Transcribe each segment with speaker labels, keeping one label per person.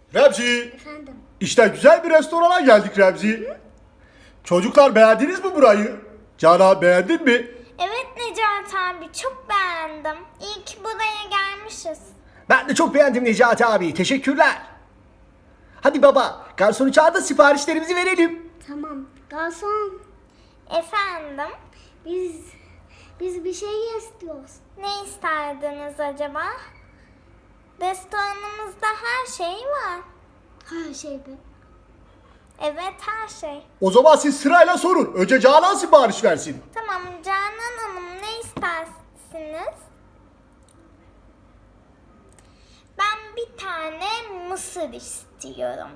Speaker 1: Remzi,
Speaker 2: Efendim.
Speaker 1: işte güzel bir restorana geldik Remzi. Çocuklar beğendiniz mi burayı? Canan beğendin mi?
Speaker 2: Evet Necati abi çok beğendim. İyi ki buraya gelmişiz.
Speaker 3: Ben de çok beğendim Necati abi. Teşekkürler. Hadi baba, garsonu çağır da siparişlerimizi verelim.
Speaker 2: Tamam. Garson. Efendim? Biz bir şey istiyoruz. Ne isterdiniz acaba? Restoranımızda her şey var. Her şey mi? Evet her şey.
Speaker 1: O zaman siz sırayla sorun. Önce Canan sipariş versin.
Speaker 2: Tamam Canan Hanım ne istersiniz? Ben bir tane mısır istiyorum.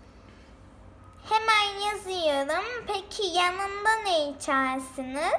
Speaker 2: Hemen yazıyorum. Peki yanında ne içersiniz?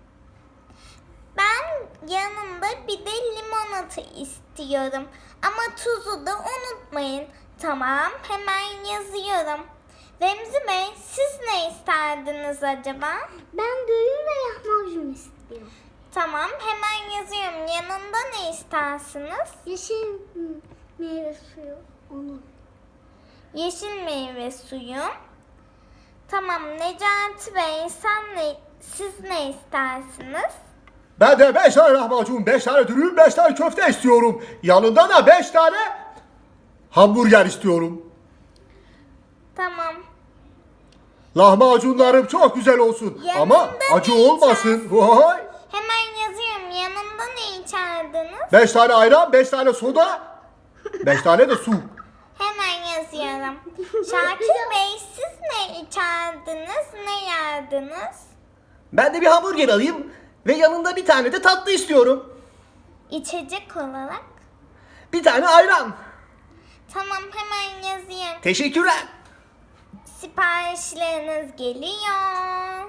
Speaker 2: Ben yanında bir de limonata istiyorum. Ama tuzu da unutmayın. Tamam, hemen yazıyorum. Remzi Bey, siz ne isterdiniz acaba? Ben düğün ve lahmacun istiyorum. Tamam, hemen yazıyorum. Yanında ne istersiniz? Yeşil meyve suyu. Onu. Yeşil meyve suyu. Tamam, Necati Bey, siz ne istersiniz?
Speaker 1: Ben de 5 tane lahmacun, 5 tane dürüm, 5 tane köfte istiyorum. Yanında da 5 tane hamburger istiyorum.
Speaker 2: Tamam.
Speaker 1: Lahmacunlarım çok güzel olsun.
Speaker 2: Yanında
Speaker 1: Ama acı
Speaker 2: ne
Speaker 1: olmasın. Vay.
Speaker 2: Hemen yazıyorum. Yanında ne içerdiniz?
Speaker 1: 5 tane ayran, 5 tane soda, 5 tane de su.
Speaker 2: Hemen yazıyorum. Şakir Bey, siz ne içerdiniz? Ne yerdiniz?
Speaker 3: Ben de bir hamburger alayım ve yanında bir tane de tatlı istiyorum.
Speaker 2: İçecek olarak.
Speaker 3: Bir tane ayran.
Speaker 2: Tamam, hemen yazayım.
Speaker 3: Teşekkürler.
Speaker 2: Siparişleriniz geliyor.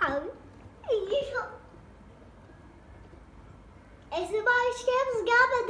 Speaker 2: Siparişlerimiz gelmedi.